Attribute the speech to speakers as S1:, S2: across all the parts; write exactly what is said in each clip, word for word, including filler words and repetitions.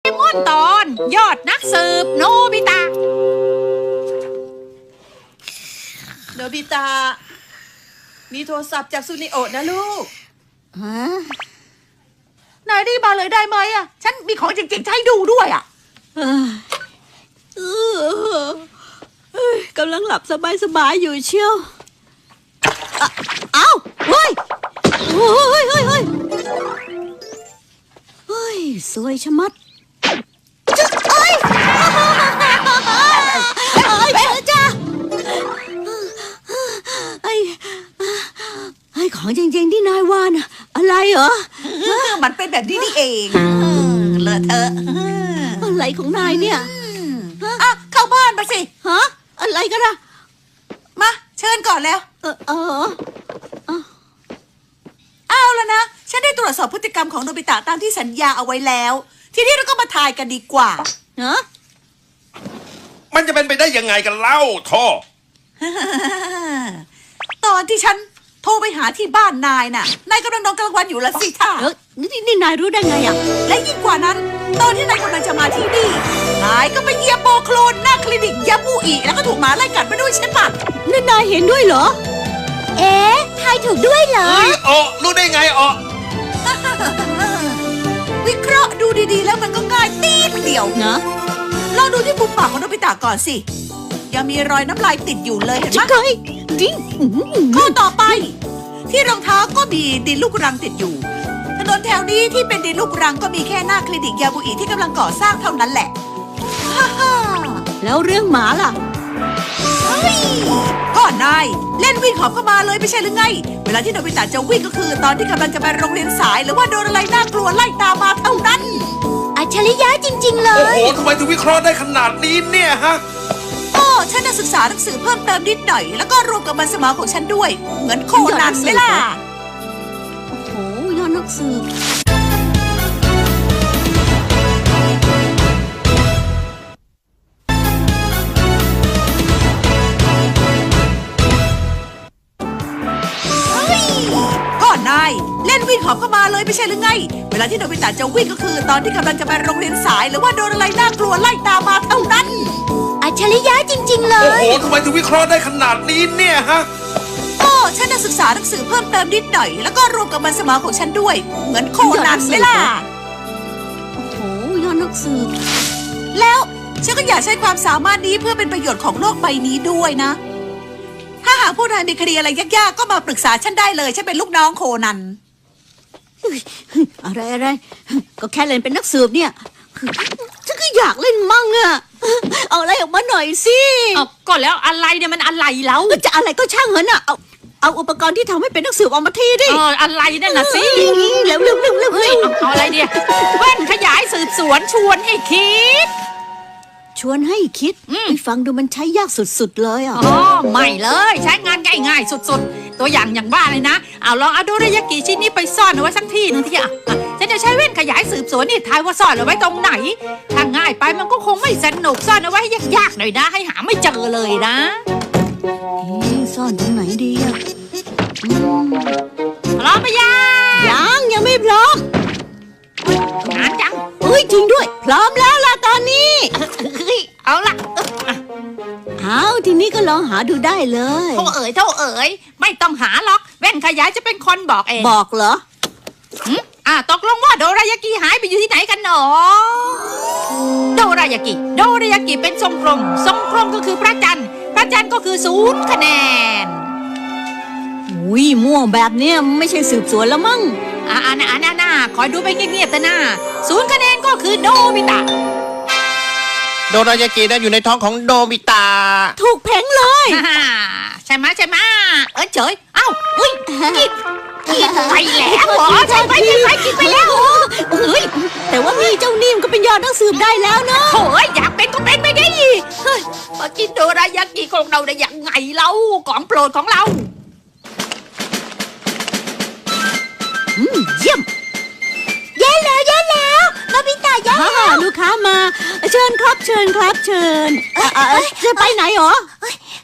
S1: มอนตอนยอดนักสืบโนบิตะ
S2: โนบิตะมีโทรศัพท์จากซูนิโอะนะลูก
S3: ฮะ
S2: นายรีบมาเลยได้ไหมอ่ะฉันมีของจริงๆจะให้ดูด้วยอ่ะ
S3: กำลังหลับสบายๆอยู่เชียวเอ้าเฮ้ยเฮ้ยเฮ้ยเฮ้ยเฮ้ยสวยชะมัดจ๊ะเอ้ยเอ้ยเจอจ้าไอ้ไอ้ของจริงๆที่นายว่าน่ะอะไรเหรอ
S2: มันเป็นแบบนี้นี่เองเลอะเทอะ
S3: อะไรของนายเนี่ย
S2: อ่ะเข้าบ้านไปสิ
S3: ฮะอะไรกันล่ะ
S2: มาเชิญก่อนแล้ว
S3: เออเออ
S2: เอาแล้วนะฉันได้ตรวจสอบพฤติกรรมของโนบิตะตามที่สัญญาเอาไว้แล้วทีนี้เราก็มาทายกันดีกว่า
S3: เนอะ
S4: มันจะเป็นไปได้ยังไงกันเล่าท่อ
S2: ตอนที่ฉันโทรไปหาที่บ้านนายน่ะนายกำลังนอนกลางวันอยู่ละสิท่า
S3: เออนี่นี่นายรู้ได้ไงอ่ะ
S2: และยิ่งกว่านั้นตอนที่นายกำลังจะมาที่นี่นายก็ไปเยียบโปโคลนหน้าคลินิกยามูอีแล้วก็ถูกหมาไล่กัดไปด้วยใช่ปะ
S3: นั่นนายเห็นด้วยเหรอเอ๊ะทายถูกด้วยเหรอ
S4: เฮ้ยอ๋อรู้ได้ไงอ๋อ
S2: วิเคราะห์ดูดีๆแล้วมันก็ง่ายตีดเดียว
S3: นะ
S2: ลองดูที่มุมปากของโนบิตะก่อนสิยังมีรอยน้ำลายติดอยู่เลยเห็นไหม
S3: ใช่จริง
S2: ข้อต่อไปที่รองเท้าก็มีดินลูกรังติดอยู่ถนนแถวนี้ที่เป็นดินลูกรังก็มีแค่หน้าคลินิกยาบุอิที่กำลังก่อสร้างเท่านั้นแหละ
S3: แล้วเรื่องหมาล่ะ
S2: เฮ้ยก็นายเล่นวิ่งหอบเข้ามาเลยไม่ใช่หรือไงเวลาที่โนบิตะจะวิ่งก็คือตอนที่กำลังจะไปโรงเรียนสายหรือว่าโดนอะไรน่ากลัวไล่ตามมาเท่านั้น
S3: อัจฉริยะจริงๆเล
S4: ยโอ้โหทำไมถึงวิเคราะห์ได้ขนาดนี้เนี่ยฮะ
S2: โอ้ฉันได้ศึกษาหนังสือเพิ่มเติมนิดหน่อยแล้วก็รวมกับมันสมองของฉันด้วยเหมือนโคนันไหมล่ะ
S3: โอ้โหยอดนักสืบ
S2: นายเล่นวิ่งหอบเข้ามาเลยไม่ใช่หรือไงเวลาที่โนบิตะจะวิ่งก็คือตอนที่กำลังจะไปโรงเรียนสายหรือว่าโดนอะไรน่ากลัวไล่ตามมาเท่านั้น
S3: อัจฉริยะจริงๆเลย
S4: โอ้โหทำไมถึงวิเคราะห์ได้ขนาดนี้เนี่ยฮะ
S2: โอ้ฉันได้ศึกษาหนังสือเพิ่มเติมนิดหน่อยแล้วก็รวมกับมันสมองของฉันด้วยเหมือนโคนันไหมล่ะ
S3: โอ้โหยอดนักสืบ
S2: แล้วฉันก็อยากใช้ความสามารถนี้เพื่อเป็นประโยชน์ของโลกใบนี้ด้วยนะถ้าหากผู้นายมีคดีอะไรยากๆก็มาปรึกษาฉันได้เลยฉันเป็นลูกน้องโคนัน
S3: อะไรอะไรก็แค่เล่นเป็นนักสืบเนี่ยฉันก็อยากเล่นมั่งอะเอาอะไรออกมาหน่อยสิ
S1: เอาก็แล้วอะไรเนี่ยมันอะไรแล้ว
S3: จะอะไรก็ช่างเหอะน่ะเอาเอาอุปกรณ์ที่ทำให้เป็นนักสืบออกมาทีดิ
S1: เอออะไรนั่นน่ะสิ
S3: เร็วเร็วเร็วเร็วเฮ้ย
S1: เอาอะไรเนี่ยแว่นขยายสืบสวนชวนให้คิด
S3: ชวนให้คิดไปฟังดูมันใช้ยากสุดๆเลยอ่ะ
S1: อ๋อไม่เลยใช้งานง่ายๆสุดๆตัวอย่างอย่างบ้าเลยนะเอาลองเอาโดรายากิชิ้นนี้ไปซ่อนเอาไว้สักที่นึงที่อ่ะฉันจะใช้แว่นขยายสืบสวนนี่ทายว่าซ่อนเอาไว้ตรงไหนถ้าง่ายไปมันก็คงไม่สนุกซ่อนเอาไว้ให้ยากๆหน่อยนะให้หาไม่เจอเลยนะ
S3: ซ่อนตรงไหนดีอ่ะ
S1: พร้อมไหมยัง
S3: ยังยังไม่พร้อม
S1: งานจัง
S3: เฮ้ยจริงด้วยพร้อมแล้วล่ะตอนนี้
S1: เอาล่ะ
S3: เอาทีนี้ก็ลองหาดูได้เลย
S1: เท่าเอ๋ยเท่าเอ๋ยไม่ต้องหาหรอกแว่นขยายจะเป็นคนบอกเอง
S3: บอกเหรอ
S1: อ่ะตกลงว่าโดรายากิหายไปอยู่ที่ไหนกันหนอโดรายากิโดรายากิเป็นทรงกลมทรงกลมก็คือพระจันทร์พระจันทร์ก็คือศูนย์คะแนน
S3: อุ้ยม่วงแบบเนี้ยไม่ใช่สืบสวนแล้วมั้ง
S1: อ่าน่าน่าน่าคอยดูไปเงียบๆแต่หน้าศูนย์คะแนนก็คือโนบิตะ
S4: โดรายากินั้นอยู่ในท้องของโนบิตะ
S3: ถูกเพ่งเลย
S1: ใช่ไหมใช่ไหมเออเฉยเอ้าเฮ้ยกินกินไปแล้วเหรอใช่ไหมใช่ไหมกินไปแล้ว
S3: เฮ้ยแต่ว่ามีเจ้านิ่มก็เป็นยอดนักสืบได้แล้วเนาะ
S1: โอ้ยอยากเป็นก็เป็นไม่ได้เฮ้ยมากินโดรายากิของเราได้ยังไงเล่าของโปรดของเรา
S3: เยี่ยม
S2: แย่แล้วแย่แล้วโนบิตะแย่แล้ว
S3: ลูกค้ามาเชิญครับเชิญครับเชิญจะไปไหนหรอ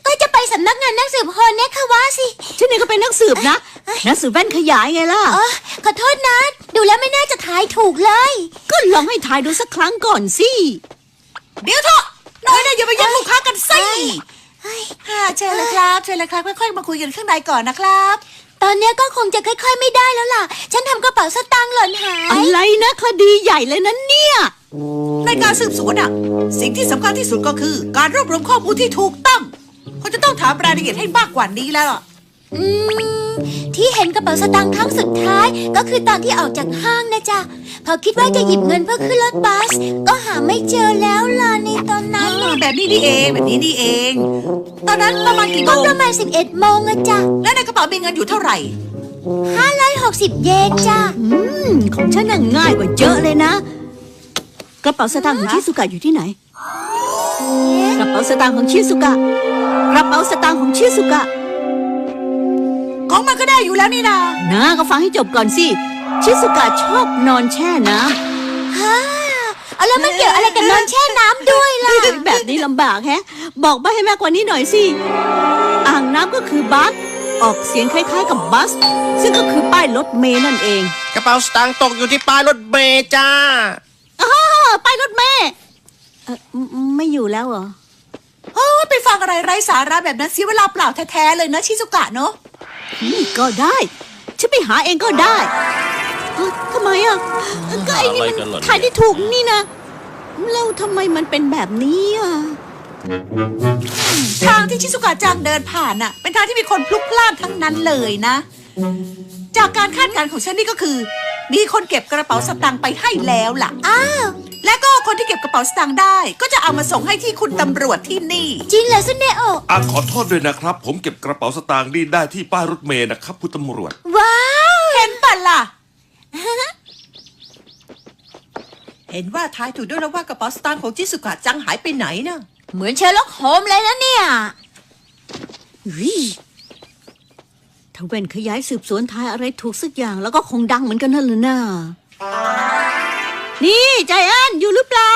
S5: ก็จะไปสำนักงานนักสืบคนเนี่ยค่ะว่าสิ
S3: ฉันเองก็เป็นนักสืบนะ นักสืบแว่นขยายไงล่ะ
S5: เออขอโทษนะ ดูแล้วไม่น่าจะทายถูกเลย
S3: ก็ลองให้ทายดูสักครั้งก่อนสิ
S2: เดี๋ยวเถอะน้อยนะอย่าไปแย่งลูกค้ากันสิ
S5: เฮ้ย
S2: ค่ะเชิญเลยครับเชิญเลยครับค่อยๆมาคุยกันข้างในก่อนนะครับ
S5: ตอนเนี้ยก็คงจะค่อยๆไม่ได้แล้วล่ะ ฉันทำกระเป๋าสตางค์หล่นหาย
S3: อะไรนะคดีใหญ่เลยนะเนี่ย
S2: ในการสืบสวนอะสิ่งที่สำคัญที่สุดก็คือ การรวบรวมข้อมูลที่ถูกต้องเขาจะต้องถามรายละเอียดให้มากกว่านี้แล้วล่ะ
S5: อืมที่เห็นกระเป๋าสตางค์ครั้งสุดท้ายก็คือตอนที่ออกจากห้างนะจ๊ะพอคิดว่าจะหยิบเงินเพื่อขึ้นรถบัสก็หาไม่เจอแล้วล่ะในตอนนั้น
S2: อ่าแบบนี้นี่เองแบบนี้นี่เอง ตอนนั้นประมาณกี่โม
S5: ก็
S2: ง
S5: ประมาณสิบเอ็ดโมงอะจ๊ะ
S2: และในกระเป๋ามีเงินอยู่เท่าไหร่
S5: ห้าร้อยหกสิบเยนจ้ะ
S3: อืม ของฉันน่ะง่ายกว่าเยอะเลยนะ กระเป๋าสตางค์ของชิสุกะอยู่ที่ไหน กระเป๋าสตางค์ของชิสุกะ กระเป๋าสตางค์ของชิสุกะ
S2: ของมันก็ได้อยู่แล้วนี่นา
S3: นะก็ฟังให้จบก่อนสิ ชิสุกะชอบนอนแช่น้
S5: ฮ่าเอาแล้วมันเกี่ยวอะไรกับนอนแช่น้ำด้วยล่ะ
S3: ำ แบบนี้ลำบากแฮะ บอกใบให้มากกว่านี้หน่อยสิ อ่างน้ำก็คือบัส ออกเสียงคล้ายๆกับบัส ซึ่งก็คือป้ายรถเมล์นั่นเอง
S4: กระเป๋าสตางค์ตกอยู่ที่ป้ายรถเมล์จ้า
S3: อ้าป้ายรถเมล์เอ่อไม่อยู่แล้วเหรอ
S2: โอ้ยไปฟังอะไรไร้สาระแบบนั้นเสียเวลาเปล่าแท้ๆเลยนะชิซุกะเนาะ
S3: อืมก็ได้ ฉันไปหาเองก็ได้เอ้าทำไมอ่ะก็ไอ้นี่
S4: อะไรกัน
S3: มั
S4: เหรอ
S3: นถ่ายได้ถูกนี่นะ แล้วทำไมมันเป็นแบบนี้อ่ะ
S2: ทางที่ชิซุกะจังเดินผ่านน่ะ เป็นทางที่มีคนพลุกพล่านทั้งนั้นเลยนะ จากการคาดการณ์ของฉันนี่ก็คือ มีคนเก็บกระเป๋าสตางค์ไปให้แล้วล่ะ
S5: อ้าว
S2: และก็คนที่เก็บกระเป๋าสตางค์ได้ ก็จะเอามาส่งให้ที่คุณตำรวจที่นี่
S5: จริงเหรอซุนเนโอ
S6: อ่ะขอโทษด้วยนะครับ ผมเก็บกระเป๋าสตางค์นี่ได้ที่ป้ายรถเมล์นะครับคุณตำรวจ
S5: ว้าว
S2: เห็นปะล่ะ เห็นว่าทายถูกด้วยแล้วว่ากระเป๋าสตางค์ของชิซุกะจังหายไปไหนนะ
S5: เหมือนเชอร์ล็อกโฮมส์เลยนะเนี่ย
S3: วิถ้าเว่นขยายสืบสวนทายอะไรถูกสักอย่างแล้วก็คงดังเหมือนกันนั่นแหละน่านี่ใจแอนอยู่หรือเปล่า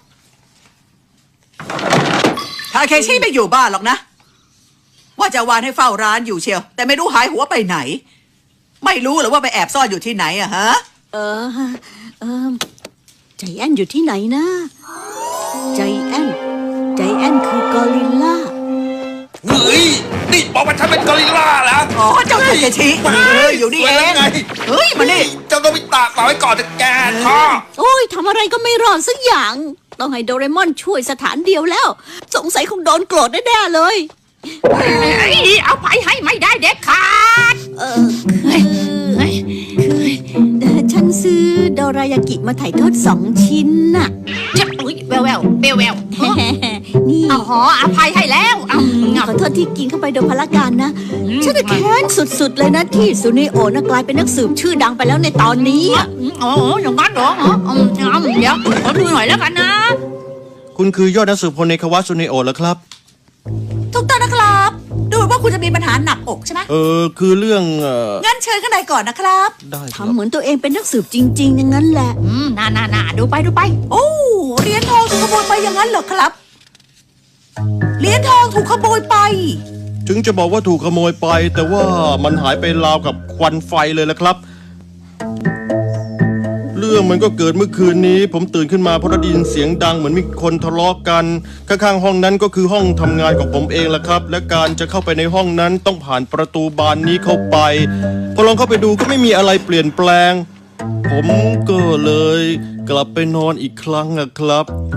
S2: ทาเคชิไม่อยู่บ้านหรอกนะ ว่าจะวานให้เฝ้าร้านอยู่เชียว แต่ไม่รู้หายหัวไปไหน ไม่รู้หรือว่าไปแอบซ่อนอยู่ที่ไหนอะฮะ
S3: เออเออใจแอนอยู่ที่ไหนนะ ใจแอนใจแอนคือกอริลลา
S6: เฮ้ย นี่บอกว่าฉันเป็นกอริลลาแล้ว
S2: อ๋อเจ้าทาเคชิเฮ้ยอยู่นี่เอง
S6: ไง
S2: เฮ้ยมานี่
S6: เจ้าต้องไปตากฝากไว้ก่อนจะแกท่อ
S3: โอ้ยทำอะไรก็ไม่รอดสักอย่าง ต้องให้โดเรมอนช่วยสถานเดียวแล้ว สงสัยคงโดนโกรธแน่ๆเลย
S1: เอ้ยเอาไปให้ไม่ได้เด็ดขาด
S3: เออคือเอ่อฉันซื้อโดรายากิมาถ่ายทอดสองชิ้นน่ะ
S1: จะอุ้ยแววแววแววแวว
S3: นี่
S1: อ๋ออภัยให้แล้วเอา
S3: ขอโทษที่กินเข้าไปโดยพละการนะ
S1: อืม
S3: ฉันจะแค้นสุดๆเลยนะที่ซูเนโอะนะกลายเป็นนักสืบชื่อดังไปแล้วในตอนนี้อะ
S1: โอ้โหอย่างนั้นเหรออ๋ออืมเอาเดี๋ยวขอดูหน่อยแล้วกันนะ
S4: คุณคือยอดนักสืบคนในคาวาซุเนโอะแล้วครับ
S2: ถูกต้องนะครับ ดูเหมือนว่าคุณจะมีปัญหาหนักอกใช่ไหม
S4: เออคือเรื่องเออ
S2: งั้นเชิญข้างในก่อนนะครับ
S4: ได้ครับ
S3: ทำเหมือนตัวเองเป็นนักสืบจริงๆอย่างนั้นแหละ
S1: อืมน่าน่าน่าดูไปดูไป
S2: โอ้เหรียญทองถูกขโมยไปอย่างนั้นเหรอครับเหรียญทองถูกขโมยไป
S4: ถึงจะบอกว่าถูกขโมยไป แต่ว่ามันหายไปราวกับควันไฟเลยละครับ เรื่องมันก็เกิดเมื่อคืนนี้ ผมตื่นขึ้นมาเพราะได้ยินเสียงดังเหมือนมีคนทะเลาะกันข้างๆห้องนั้นก็คือห้องทำงานของผมเองละครับ และการจะเข้าไปในห้องนั้นต้องผ่านประตูบานนี้เข้าไปพอลองเข้าไปดูก็ไม่มีอะไรเปลี่ยนแปลง ผมก็เลยกลับไปนอนอีกครั้งนะครับ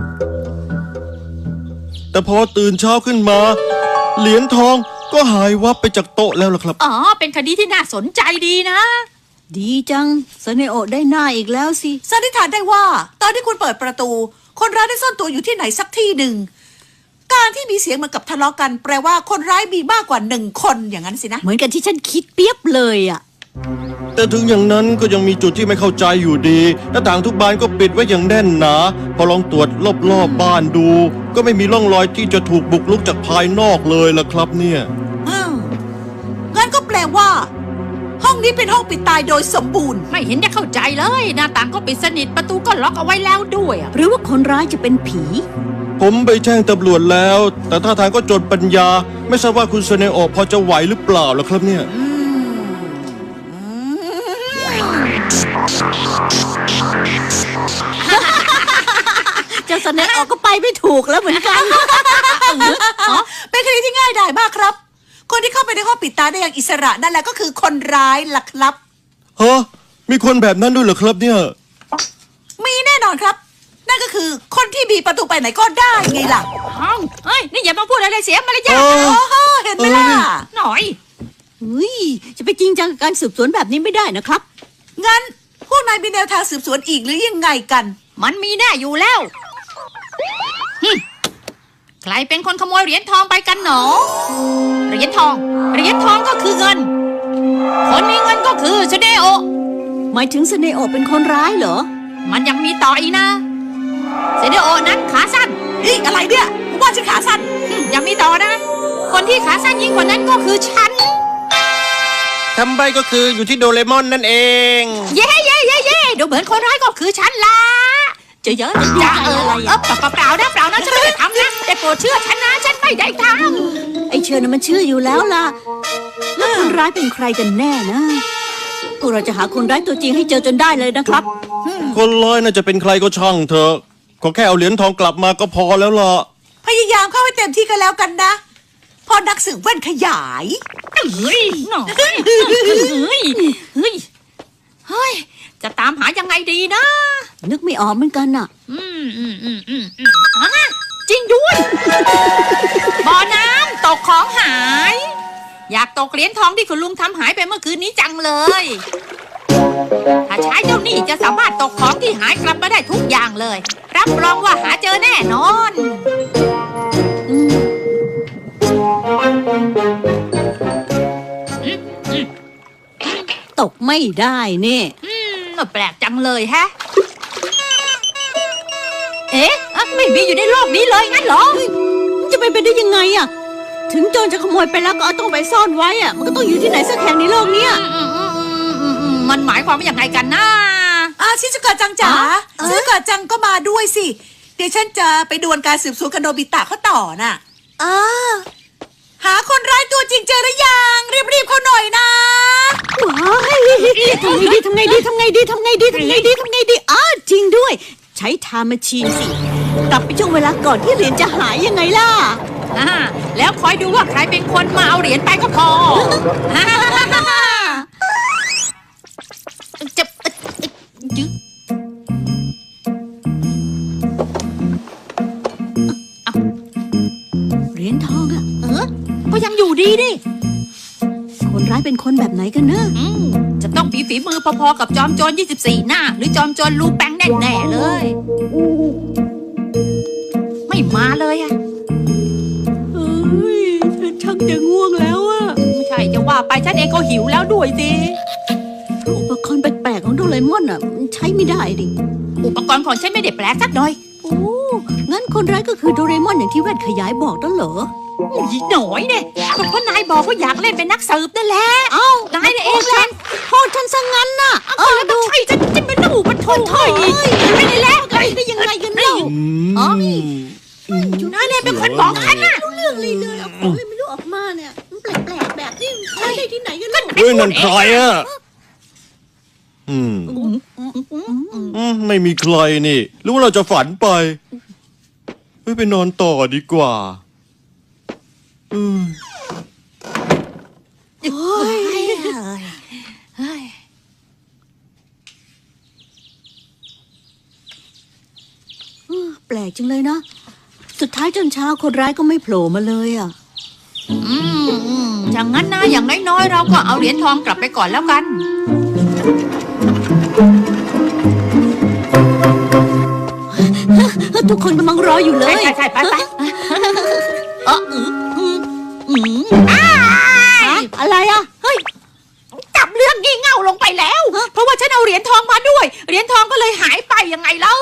S4: แต่พอตื่นเช้าขึ้นมา เหรียญทองก็หายวับไปจากโต๊ะแล้วล่ะครับ
S1: อ๋อ เป็นคดีที่น่าสนใจดีนะ
S3: ดีจังซูเนโอะได้หน้าอีกแล้วสิ
S2: สันนิษฐานได้ว่า ตอนที่คุณเปิดประตู คนร้ายได้ซ่อนตัวอยู่ที่ไหนสักที่หนึ่ง การที่มีเสียงเหมือนกับทะเลาะกัน แปลว่าคนร้ายมีมากกว่าหนึ่งคนอย่างนั้นสินะ
S3: เหมือนกันที่ฉันคิดเปียบเลยอ่ะ
S4: แต่ถึงอย่างนั้นก็ยังมีจุดที่ไม่เข้าใจอยู่ดีหน้าต่างทุกบานก็ปิดไว้อย่างแน่นหนา พอลองตรวจรอบๆบบ้านดู ก็ไม่มีร่องรอยที่จะถูกบุกรุกจากภายนอกเลยล่ะครับเนี่ย
S2: อ้าวงั้นก็แปลว่า ห้องนี้เป็นห้องปิดตายโดยสมบูรณ์
S1: ไม่เห็นจะเข้าใจเลย หน้าต่างก็ปิดสนิทประตูก็ล็อกเอาไว้แล้วด้วยอะ
S3: หรือว่าคนร้ายจะเป็นผี
S4: ผมไปแจ้งตำรวจแล้ว แต่ท่าทางก็จนปัญญา ไม่ทราบว่าคุณเซเนโอะพอจะไหวหรือเปล่าล่ะครับเนี่ย
S3: เจ้าสเนออกก็ไปไม่ถูกแล้วเหมือนกัน
S2: เป็นคดีที่ง่ายดายมากครับ คนที่เข้าไปในห้องปิดตาได้อย่างอิสระนั่นแหละก็คือคนร้ายล่ะครับ
S4: ฮะ มีคนแบบนั้นด้วยเหรอครับเนี่ย
S2: มีแน่นอนครับ นั่นก็คือคนที่มีประตูไปไหนก็ได้ไงล่ะ
S1: เอ้าเฮ้ย นี่อย่ามาพูดอะไรเสียมารยาท
S4: เออ
S1: นะ
S2: โอ้โหเห็นไหมล่ะ
S1: หน่อย
S3: อุ้ยจะไปจริงจังกับการสืบสวนแบบนี้ไม่ได้นะครับ
S2: งั้นพวกนายมีแนวทางสืบสวนอีกหรือยังไงกัน
S1: มันมีแน่อยู่แล้วหึใครเป็นคนขโมยเหรียญทองไปกันหนอ เหรียญทอง เหรียญทองก็คือเงิน คนมีเงินก็คือชเดโอ
S3: หมายถึงสเนโอะเป็นคนร้ายเหรอ
S1: มันยังมีต่ออีกนะเซเดโอนั้นขาสั้น
S2: อีกอะไรเนี่ยผมว่าฉันขาสั้น
S1: หึยังมีต่อนะ คนที่ขาสั้นยิ่งกว่านั้นก็คือฉัน
S4: ทำใบก็คืออยู่ที่โดเรมอนนั่นเอง
S1: เย่เย่เย่เย่ดูเหมือนคนร้ายก็คือฉันละ
S3: จะเยอะ
S1: จะเออเออเปล่าเปล่านะเปล่านะฉันไม่ได้ทำนะแต่โปรดเชื่อฉันนะฉันไม่ได้ท
S3: ไอเชิญน่ะมันเชื่ออยู่แล้วล่ะ แล้วคนร้ายเป็นใครกันแน่นะพวกเราจะหาคนร้ายตัวจริงให้เจอจนได้เลยนะครับ
S4: คนร้ายน่าจะเป็นใครก็ช่างเถอะขอแค่เอาเหรียญทองกลับมาก็พอแล้วล่ะ
S2: พยายามเข้าให้เต็มที่กันแล้วกันนะ พอนักสืบแว่นขยาย
S1: ำเฮ้ยหน่อยเฮ้ยเฮ้ยเฮ้ยจะตามหายังไงดีนะ
S3: นึกไม่ออกเหมือนกันน่ะ
S1: อืมอืมอืมอืมอืมอ่ะจริงด้วยบ่อน้ำตกของหาย อยากตกเหรียญทองที่คุณลุงทำหายไปเมื่อคืนนี้จังเลย ถ้าใช้เจ้านี่จะสามารถตกของที่หายกลับมาได้ทุกอย่างเลย รับรองว่าหาเจอแน่นอน
S3: อืม
S1: อืมอืม
S3: ตกไม่ได้นี่
S1: อืมแปลกจังเลยแฮะ เอ๊ะอ่ะไม่มีอยู่ในโลกนี้เลยงั้นเหรอ
S3: มันจะไปเป็นได้ยังไงอะถึงโจรจะขโมยไปแล้วก็เอาต้องไปซ่อนไว้อะมันก็ต้องอยู่ที่ไหนสักแห่งในโลกเนี้ย
S1: อืมอืมอืมอืมอืมมันหมายความว่าอย่างไรกันนะ
S2: อาชิซุกะจังจ๋า
S3: อ๋อ
S2: ชิซุกะจังก็มาด้วยสิ เดี๋ยวฉันจะไปดวลการสืบสวนกับโนบิตะเขาต่อน่ะ
S5: อ๋อ
S2: หาคนร้ายตัวจริงเจอหรือยัง รีบๆเขาหน่อยนะ
S3: ว้ายทำไงดีทำไงดีทำไงดีทำไงดีทำไงดีทำไงดีอ้าจริงด้วย ใช้ไทม์แมชชีนสิ กลับไปช่วงเวลาก่อนที่เหรียญจะหายยังไงล่ะ
S1: อ่าแล้วคอยดูว่าใครเป็นคนมาเอาเหรียญไปก็พอฮ่าฮ่าฮ่าฮ่าฮ่าจะเอ่อเอ่อยึด
S3: เหรียญทองอะ
S1: เออก็ยังอยู่ดีดิ
S3: คนร้ายเป็นคนแบบไหนกันนะ
S1: อืมจะต้องฝีฝีมือพอๆกับจอมโจรยี่สิบสี่หน้า หรือจอมโจรลูแปงแน่ๆเลย ไม่มาเลยอะ
S3: เอ้ยฉันชักจะง่วงแล้วอะ
S1: ไม่ใช่จะว่าไปฉันเองก็หิวแล้วด้วยสิ
S3: อุปกรณ์แปลกๆของโดเรมอนอะมันใช้ไม่ได้ดิ
S1: อุปกรณ์ของฉันไม่ได้แปลกสักหน่อย
S3: โอ้ งั้นคนร้ายก็คือโดเรมอนอย่างที่แว่นขยายบอกนั่นเหรอ
S1: อีหน่อยเนี่ยก็เพราะนายบอกว่าอยากเล่นเป็นนักสืบนั่นแหละ
S3: เอ้าน
S1: ายเนี่ยเองแหละ
S3: โทษฉันซะงั้นน่ะ
S1: เออแล้วใช่ฉันจะเป็นหนูมันโทษเฮ้ยไม่ได้แล้ว
S3: ไปได้ยังไงกันเล่า
S1: อ๋ออยู่นายเนี่ยเป็นคนบอกฉันน่ะ
S3: เรื่องเลยเลยเอาของอะไรไม่รู้ออกมาเนี่ยมันแปลกๆแบบนี้ใช้ได้ที่ไหนกันเล่า
S4: เฮ้ยนั่นใครอ่ะ อืม อืม ไม่มีใครนี่ หรือว่าเราจะฝันไป เฮ้ย ไปนอนต่อดีกว่า อืม
S1: เฮ้ยเฮ้ย
S3: แปลกจังเลยนะ สุดท้ายจนเช้าคนร้ายก็ไม่โผล่มาเลยอ่ะ
S1: อืมอืมอย่างนั้นนะอย่างน้อยๆเราก็เอาเหรียญทองกลับไปก่อนแล้วกัน
S3: ทุกคนกำลังรออยู่เลย
S1: ใช่ใช่ใช่ไปไปเอออืมอืมอืมอ้า
S3: ฮะ
S1: ย
S3: อะไรอ่ะ
S1: เฮ้ยจับเรื่องงี่เง่าลงไปแล้ว เพราะว่าฉันเอาเหรียญทองมาด้วย เหรียญทองก็เลยหายไปยังไงเล่า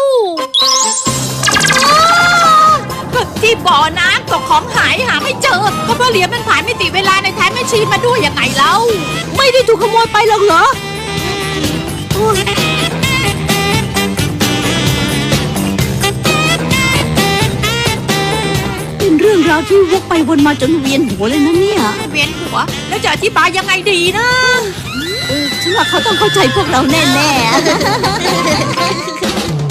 S1: ที่บ่อน้ำตกของหายหาไม่เจอ ก็เพราะเหรียญมันผ่านมิติเวลาในไทม์แมชชีนมาด้วยยังไงเล่า
S3: ไม่ได้ถูกขโมยไปหรอกเหรอโอ้ยราวที่วกไปวนมาจนเวียนหัวเลยนะเนี่ย
S1: เวียนหัว แล้วจะอธิบายยังไงดีนะ
S3: เออฉันว่าเขาต้องเข้าใจพวกเราแน่ๆ